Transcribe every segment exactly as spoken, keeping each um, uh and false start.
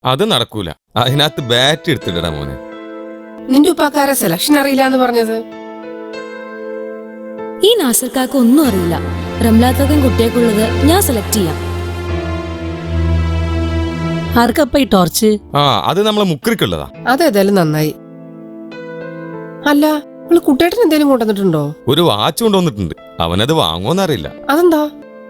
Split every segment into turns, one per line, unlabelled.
അത് നടക്കൂല. അതിനകത്ത് ബാറ്റ് എടുത്തിടടാ മോനെ.
നിന്റെ ഉപ്പാക്കാരെ സെലക്ഷൻ അറിയില്ല എന്ന് പറഞ്ഞത്?
ഈ നാസർക്കാർക്ക് ഒന്നും അറിയില്ല. റംലാത്തക്കും കുട്ടിയേക്കുള്ളത് ഞാൻ സെലക്ട് ചെയ്യാം.
ആർക്കപ്പ ഈ ടോർച്ച്?
ആ അത് നമ്മളെ മുക്രിക്കുള്ളതാ.
അതേതായാലും നന്നായി. അല്ല, നിങ്ങള് കുട്ടേട്ടൻ എന്തേലും കൊണ്ടുവന്നിട്ടുണ്ടോ?
ഒരു വാച്ച് കൊണ്ടുവന്നിട്ടുണ്ട്. അവനത് വാങ്ങുമെന്നറിയില്ല.
അതെന്താ?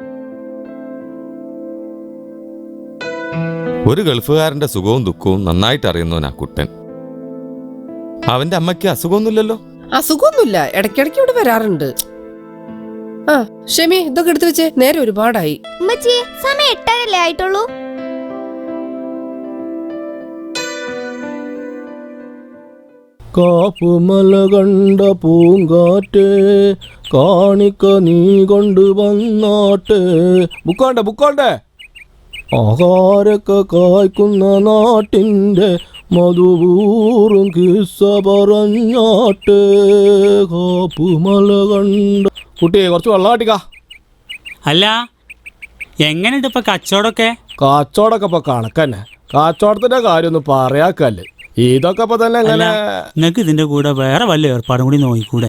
ഒരു ഗൾഫുകാരന്റെ സുഖവും ദുഃഖവും നന്നായിട്ട് അറിയുന്നവനാ കുട്ടൻ. അവന്റെ അമ്മയ്ക്ക് അസുഖമൊന്നുമില്ലല്ലോ?
അസുഖമൊന്നുമില്ല, ഇടയ്ക്കിടയ്ക്ക് ഇവിടെ വരാറുണ്ട്. ആ ഷെമി, ഇതൊക്കെ എടുത്തു വെച്ചേ, നേരെ ഒരുപാടായി.
സമയം എട്ടരല്ലേ ആയിട്ടുള്ളൂ.
കാപ്പുമല കണ്ട പൂങ്കാറ്റേ കാണിക്ക നീ കൊണ്ട് വന്നാട്ടെ. ബുക്കോണ്ടേ ബുക്കോണ്ടേ ആഹാരൊക്കെ കായ്ക്കുന്ന നാട്ടിൻ്റെ മധുപൂറും കിസ്സ പറഞ്ഞാട്ടെ. കാപ്പുമല കണ്ട കുട്ടിയെ കുറച്ച് വെള്ളം കാട്ടിക്കാ.
അല്ല, എങ്ങനെയുണ്ട് ഇപ്പൊ കച്ചവടമൊക്കെ?
കച്ചവടമൊക്കെ ഇപ്പൊ കണക്കന്നെ. കച്ചവടത്തിന്റെ കാര്യമൊന്നും പറയാക്കല്ലേ. ഇതൊക്കെ ഇപ്പൊ തന്നെ എങ്ങനെ?
നിങ്ങക്ക് ഇതിന്റെ കൂടെ വേറെ വല്ല ഏർപ്പാടും കൂടി നോക്കിക്കൂടെ?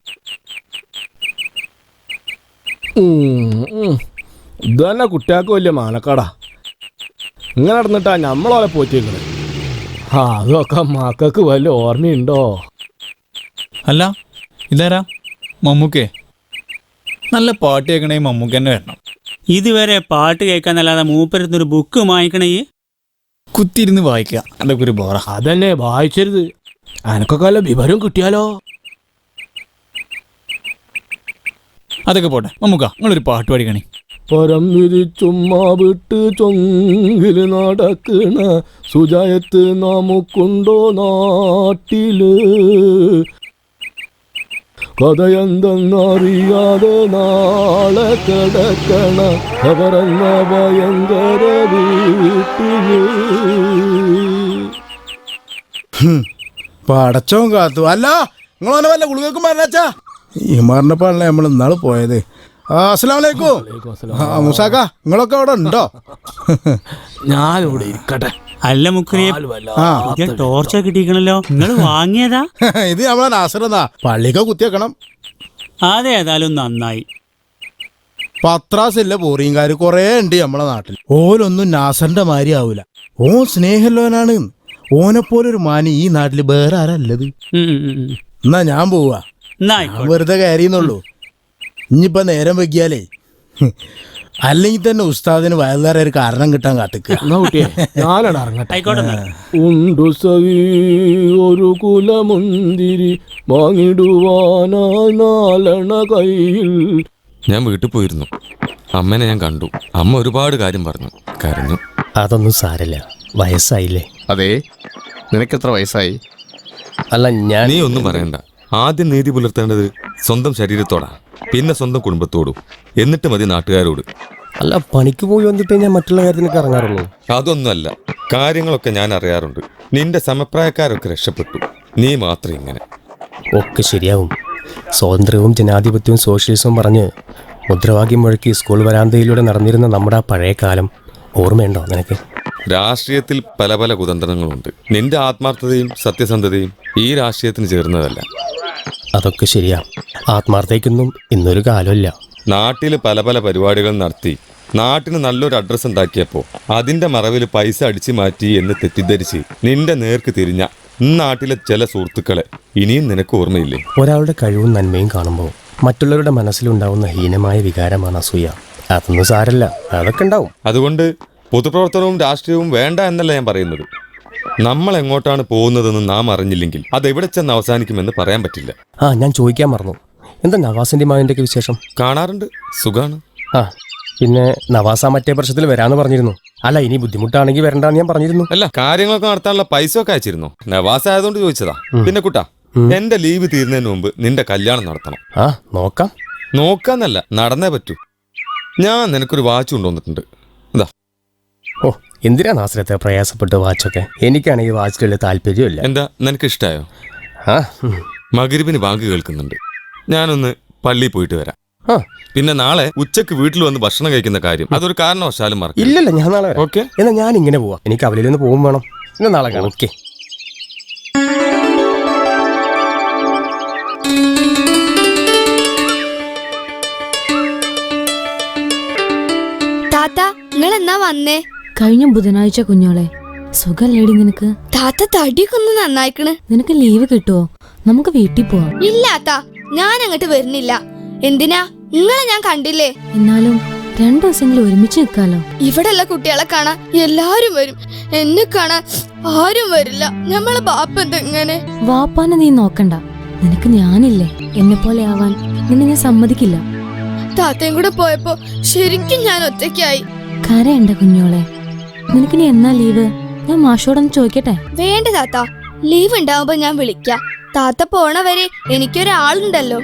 ഇത് തന്നെ കുട്ടികൾക്ക് വലിയ മാനക്കാടാ. ഇങ്ങനെ നടന്നിട്ടാ നമ്മളോലെ പോറ്റിക്കുന്നത്. ആ അതൊക്കെ മക്കൾക്ക് വല്ല ഓർമ്മയുണ്ടോ?
അല്ല ഇതാരാ? മമ്മൂക്കേ? നല്ല പാട്ട് കേൾക്കണേ മമ്മൂക്ക തന്നെ വരണം.
ഇതുവരെ പാട്ട് കേൾക്കാന്നല്ലാതെ മൂപ്പരുന്നൊരു ബുക്ക് വാങ്ങിക്കണേ.
കുത്തിയിരുന്ന് വായിക്കുക, അതൊക്കെ ഒരു ബോറ.
അതന്നെ വായിച്ചരുത്. അനക്കൊക്കെ വല്ല വിവരം കിട്ടിയാലോ?
അതൊക്കെ പോട്ടെ. മമ്മൂക്ക, നിങ്ങളൊരു പാട്ട് പാടിക്കണേ.
പരം വിരിച്ചുമ്മ വിട്ട് ചൊങ്കില് നടക്കണ സുജായത്ത് നമുക്കുണ്ടോ നാട്ടില്? കഥയെന്തെന്നറിയാതെ നാളെ കിടക്കണ അവരെന്ന ഭയങ്കര വീട്ടില്.
പടച്ചോൻ കാത്തു. അല്ല നിങ്ങളെ വല്ല ഗുളികൾക്കും പറഞ്ഞാച്ചാ? ഈ മരണപ്പാടില്ലേ നമ്മൾ ഇന്നാള് പോയത്. അസ്സലാമലൈക്കും. മുസാക്ക, നിങ്ങളൊക്കെ അവിടെ ഉണ്ടോ?
ഞാനിവിടെ ഇരിക്കട്ടെ.
അല്ല മുക്രിയെ, ടോർച്ച കിട്ടിക്കണല്ലോ, നിങ്ങൾ വാങ്ങിയതാ?
ഇത് നമ്മളെ നാസറെന്നാ. പള്ളിക്ക കുത്തിയേക്കണം.
അതേതായാലും നന്നായി.
പത്രാസില്ല പോറിയങ്കാര് കൊറേ ഉണ്ട് നമ്മളെ നാട്ടിൽ. ഓലൊന്നും നാസറിന്റെ മാതിരി ആവൂല. ഓൻ സ്നേഹല്ലോനാണ്. ഓനെപ്പോലൊരു മാനി ഈ നാട്ടില് വേറെ ആരല്ലത്. എന്നാ ഞാൻ പോവാ. വെറുതെ കയറിയെന്നുള്ളൂ. ഇനിയിപ്പോ നേരം വെക്കിയാലേ അല്ലെങ്കിൽ തന്നെ ഉസ്താദിന് വയലുകാരെ ഒരു കാരണം കിട്ടാൻ കാത്തിക്കുക.
ഉണ്ടു സഹി ഒരു കുലമുന്തിരി വാങ്ങിടുവാനായി നാലണ കയ്യിൽ.
ഞാൻ വീട്ടിൽ പോയിരുന്നു. അമ്മനെ ഞാൻ കണ്ടു. അമ്മ ഒരുപാട് കാര്യം പറഞ്ഞു, കരഞ്ഞു.
അതൊന്നും സാരല്ല, വയസ്സായില്ലേ.
അതെ, നിനക്കെത്ര വയസ്സായി?
അല്ല ഞാൻ
നീ ഒന്നും പറയണ്ട. ആദ്യം നീതി പുലർത്തേണ്ടത് സ്വന്തം ശരീരത്തോടാ, പിന്നെ സ്വന്തം കുടുംബത്തോടും, എന്നിട്ട് മതി നാട്ടുകാരോട്.
അല്ല പണിക്ക് പോയി വന്നിട്ട് ഞാൻ മറ്റുള്ള കാര്യത്തിനൊക്കെ ഇറങ്ങാറുള്ളൂ.
അതൊന്നുമല്ല, കാര്യങ്ങളൊക്കെ ഞാൻ അറിയാറുണ്ട്. നിന്റെ സമപ്രായക്കാരൊക്കെ രക്ഷപ്പെട്ടു, നീ മാത്രം ഇങ്ങനെ.
ഒക്കെ ശരിയാവും. സ്വാതന്ത്ര്യവും ജനാധിപത്യവും സോഷ്യലിസവും പറഞ്ഞ് മുദ്രാവാക്യം മുഴക്കി സ്കൂൾ വരാന്തയിലൂടെ നടന്നിരുന്ന നമ്മുടെ ആ പഴയ കാലം ഓർമ്മയുണ്ടോ നിനക്ക്?
രാഷ്ട്രീയത്തിൽ പല പല കുതന്ത്രങ്ങളുണ്ട്. നിന്റെ ആത്മാർത്ഥതയും സത്യസന്ധതയും ഈ രാഷ്ട്രീയത്തിന് ചേർന്നതല്ല.
അതൊക്കെ ശരിയാ. ആത്മാർത്ഥതയ്ക്കൊന്നും ഇന്നൊരു കാലമില്ല.
നാട്ടിൽ പല പല പരിപാടികൾ നടത്തി നാട്ടിന് നല്ലൊരു അഡ്രസ്സ് ഉണ്ടാക്കിയപ്പോൾ അതിന്റെ മറവിൽ പൈസ അടിച്ചു മാറ്റി എന്ന് തെറ്റിദ്ധരിച്ച് നിന്റെ നേർക്ക് തിരിഞ്ഞ നാട്ടിലെ ചില സുഹൃത്തുക്കളെ ഇനിയും നിനക്ക് ഓർമ്മയില്ലേ?
ഒരാളുടെ കഴിവും നന്മയും കാണുമ്പോൾ മറ്റുള്ളവരുടെ മനസ്സിലുണ്ടാവുന്ന ഹീനമായ വികാരമാണ് അസൂയ. അതൊന്നും സാരല്ല, അതൊക്കെ ഉണ്ടാവും.
അതുകൊണ്ട് പൊതുപ്രവർത്തനവും രാഷ്ട്രീയവും വേണ്ട എന്നല്ല ഞാൻ പറയുന്നത്. നമ്മൾ എങ്ങോട്ടാണ് പോകുന്നതെന്ന് നാം അറിഞ്ഞില്ലെങ്കിൽ അതെവിടെ ചെന്ന് അവസാനിക്കുമെന്ന് പറയാൻ പറ്റില്ല.
ആ ഞാൻ ചോദിക്കാൻ മറന്നു, എന്താ നവാസിന്റെ മകന്റെ ഒക്കെ വിശേഷം?
കാണാറുണ്ട്, സുഖാണ്.
ആ പിന്നെ നവാസ മറ്റേ വർഷത്തിൽ വരാന്ന് പറഞ്ഞിരുന്നു. അല്ല ഇനി ബുദ്ധിമുട്ടാണെങ്കിൽ വരണ്ടെന്ന് ഞാൻ പറഞ്ഞിരുന്നു.
അല്ല, കാര്യങ്ങളൊക്കെ നടത്താനുള്ള പൈസ ഒക്കെ അയച്ചിരുന്നു. നവാസ ആയതുകൊണ്ട് ചോദിച്ചതാ. പിന്നെ കുട്ടാ, എന്റെ ലീവ് തീരുന്നതിന് മുമ്പ് നിന്റെ കല്യാണം നടത്തണം.
ആ നോക്കാം.
നോക്കാന്നല്ല, നടന്നേ പറ്റൂ. ഞാൻ നിനക്കൊരു വാച്ച് കൊണ്ടുവന്നിട്ടുണ്ട്. എന്താ?
ഓ എന്തിനാ നാസരത്തെ പ്രയാസപ്പെട്ട് വാച്ചൊക്കെ? എനിക്കാണെങ്കിൽ വാച്ചിലുള്ള താല്പര്യമില്ല.
എന്താ, നിനക്ക് ഇഷ്ടായോ?
ആ
മഗ്‌രിബിന് ബാങ്ക് കേൾക്കുന്നുണ്ട്. ഞാനൊന്ന് പള്ളിയിൽ പോയിട്ട് വരാം.
ആ
പിന്നെ നാളെ ഉച്ചക്ക് വീട്ടിൽ വന്ന് ഭക്ഷണം കഴിക്കുന്ന കാര്യം അതൊരു കാരണവശാലും മറക്കും.
ഇല്ലല്ല, ഞാൻ നാളെ
ഓക്കെ.
എന്നാ ഞാൻ ഇങ്ങനെ പോവാം. എനിക്ക് അവലിൽ നിന്ന് പോകും വേണം. ഇന്ന് നാളെ കാണാം. ഓക്കെ.
താത്ത നിങ്ങൾ എന്നാ വന്നേ?
കഴിഞ്ഞ ബുധനാഴ്ച കുഞ്ഞോളെ. സുഖല്ലേടി നിനക്ക്?
താത്ത തടിയൊക്കെ ഒന്ന് നന്നായിക്കണ്.
നിനക്ക് ലീവ് കിട്ടുവോ? നമുക്ക് വീട്ടിൽ പോവാം.
ഇല്ലാത്ത ഞാൻ അങ്ങോട്ട് വരുന്നില്ല. എന്തിനാ? നിങ്ങളെ ഞാൻ കണ്ടില്ലേ.
എന്നാലും രണ്ടു ദിവസമെങ്കിലും ഒരുമിച്ച് നിൽക്കാലോ.
ഇവിടെയുള്ള കുട്ടികളെ കാണാൻ എല്ലാരും വരും, എന്നെ കാണാൻ ആരും വരില്ല. നമ്മളെ ബാപ്പ എന്തെങ്ങനെ?
വാപ്പാനെ നീ നോക്കണ്ട. നിനക്ക് ഞാനില്ലേ. എന്നെ പോലെ ആവാൻ നിന്നെ ഞാൻ സമ്മതിക്കില്ല.
താത്തയും കൂടെ പോയപ്പോ ശരിക്കും ഞാൻ ഒറ്റയ്ക്കായി.
കരയണ്ട കുഞ്ഞോളെ. നിനക്കിനി എന്നാ ലീവ്? ഞാൻ മാഷോടൊന്ന് ചോദിക്കട്ടെ?
വേണ്ട താത്ത, ലീവ് ഉണ്ടാവുമ്പോ ഞാൻ വിളിക്കാം. താത്ത പോണ വരെ എനിക്കൊരാളുണ്ടല്ലോ.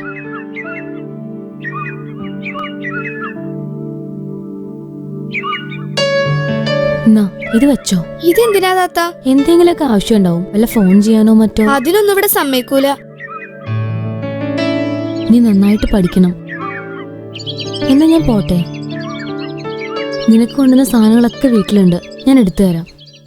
എന്നാ ഇത് വെച്ചോ.
ഇതെന്തിനാ താത്ത?
എന്തെങ്കിലുമൊക്കെ ആവശ്യം ഉണ്ടാവും. വല്ല ഫോൺ ചെയ്യാനോ മറ്റോ.
അതിനൊന്നും ഇവിടെ സമ്മതിക്കൂല.
നീ നന്നായിട്ട് പഠിക്കണം. എന്നാ ഞാൻ പോട്ടെ. നിനക്ക് കൊണ്ടുവന്ന സാധനങ്ങളൊക്കെ വീട്ടിലുണ്ട്, ഞാൻ എടുത്തു തരാം.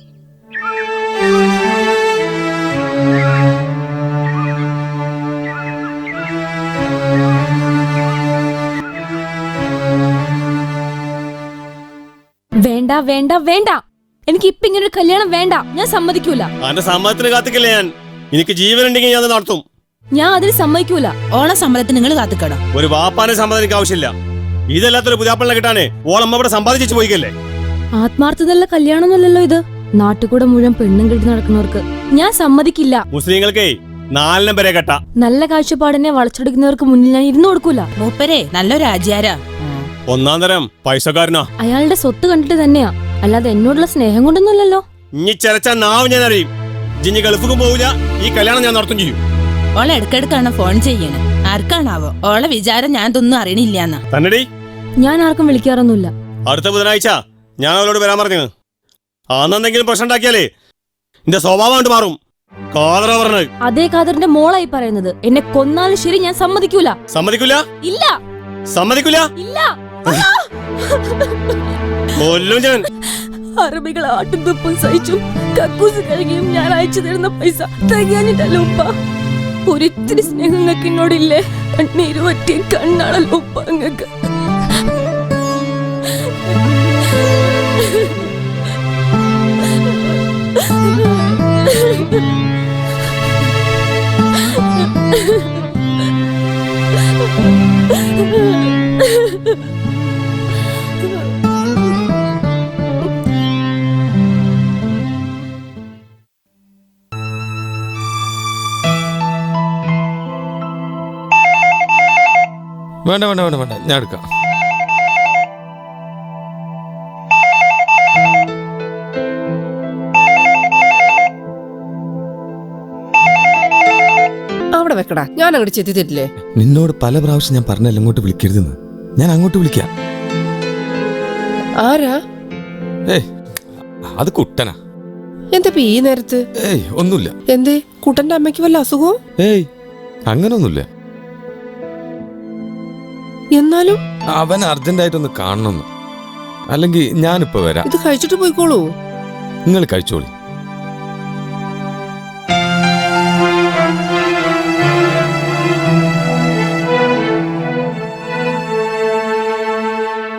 വേണ്ട വേണ്ട വേണ്ട, എനിക്ക് ഇപ്പൊ ഇങ്ങനെ ഒരു കല്യാണം വേണ്ട. ഞാൻ സമ്മതിക്കൂല.
എന്റെ സമ്മതത്തിന് കാത്തിക്കില്ല ഞാൻ. എനിക്ക് ജീവനുണ്ടെങ്കിൽ ഞാൻ നടത്തും.
ഞാൻ അതിന് സമ്മതിക്കൂല.
ഓണ സമ്മതത്തിന് നിങ്ങൾ കാത്തിക്കട.
ഒരു വാപ്പാനെ സമ്മതം എനിക്ക് ആവശ്യമില്ല. ഇതല്ലാത്തൊരു പുതിയാപ്പിളിനെ കിട്ടാനേ ഓളമ്മ ഇവിടെ സമ്പാദിച്ചു പോയിക്കല്ലേ.
ആത്മാർത്ഥതയുള്ള കല്യാണമൊന്നുമല്ലല്ലോ ഇത്. നാട്ടുകൂടെ മുഴുവൻ പെണ്ണും കെട്ടി നടക്കുന്നവർക്ക് ഞാൻ സമ്മതിക്കില്ല.
മുസ്ലിങ്ങൾക്കേ നാലിനം വരെ കെട്ട.
നല്ല കാഴ്ചപ്പാടിനെ വളച്ചൊടിക്കുന്നവർക്ക് മുന്നിൽ ഞാൻ ഇരുന്നു കൊടുക്കൂല.
മൂപ്പരെ നല്ലൊരു ആചാരാ.
ഒന്നാം തരം പൈസക്കാരനാ.
അയാളുടെ സ്വത്ത് കണ്ടിട്ട് തന്നെയാ, അല്ലാതെ എന്നോടുള്ള സ്നേഹം കൊണ്ടൊന്നുമല്ലല്ലോ.
ഇനി ചെലച്ച നാവ് ഞാൻ അറിയും. ജിഞ്ഞി ഗൾഫിക്കും പോവില്ല, ഈ കല്യാണം ഞാൻ നടത്തും ചെയ്യും.
ഓളെ ഇടക്കിടക്കാണ് ഫോൺ ചെയ്യണേ. ആർക്കാണാവോ ഓളെ വിചാരം ഞാൻ ഇതൊന്നും അറിയണില്ലാന്നാ.
തന്നെടി,
ഞാൻ ആർക്കും വിളിക്കാറൊന്നുമില്ല.
അടുത്ത ബുധനാഴ്ച ഞാൻ അവളോട് വരാൻ പറഞ്ഞു. അന്നെന്തെങ്കിലും പ്രശ്നം ഉണ്ടാക്കിയാലേ എന്റെ സ്വഭാവം കൊണ്ട് മാറും. കാതറ പറഞ്ഞത്.
അതേ കാതറിന്റെ മോളായി പറയുന്നത്. എന്നെ കൊന്നാലും ശരി ഞാൻ സമ്മതിക്കൂല.
സമ്മതിക്കൂല?
ഇല്ല.
സമ്മതിക്കൂല?
ഇല്ല.
കൊല്ലും ഞാൻ.
അറബികൾ ആട്ടും തുപ്പും സഹിച്ചു കക്കൂസ് കഴുകിയും ഞാൻ അയച്ചു തരുന്ന പൈസ തികയാനിട്ടല്ലോ ഉപ്പ. ഒരിത്തിരി സ്നേഹം നിങ്ങൾക്ക് എന്നോടില്ലേ? കണ്ണീര് പറ്റിയ കണ്ണാണല്ലോ ഉപ്പ അങ്ങക്ക്.
വേണ്ട വേണ്ട വേണ്ട വേണ്ട, ഞാൻ എടുക്കാം.
അവിടെ വെക്കടാ, ഞാൻ അങ്ങോട്ട് ചെത്തി തരില്ലേ?
നിന്നോട് പല പ്രാവശ്യം ഞാൻ പറഞ്ഞല്ല ഇങ്ങോട്ട് വിളിക്കരുതെന്ന്. ഞാൻ അങ്ങോട്ട് വിളിക്കാം.
ആരാ?
ഏയ് അത് കുട്ടനാ.
എന്താ ഈ നേരത്ത്?
ഏയ് ഒന്നുമില്ല.
എന്തേ, കുട്ടന്റെ അമ്മയ്ക്ക് വല്ല അസുഖവും?
ഏയ് അങ്ങനൊന്നുമില്ല.
എന്നാലും
അവൻ അർജന്റായിട്ടൊന്ന് കാണണമെന്ന്. അല്ലെങ്കിൽ ഞാനിപ്പോ വരാം.
ഇത് കഴിച്ചിട്ട് പോയിക്കോളൂ.
നിങ്ങൾ കഴിച്ചോളി.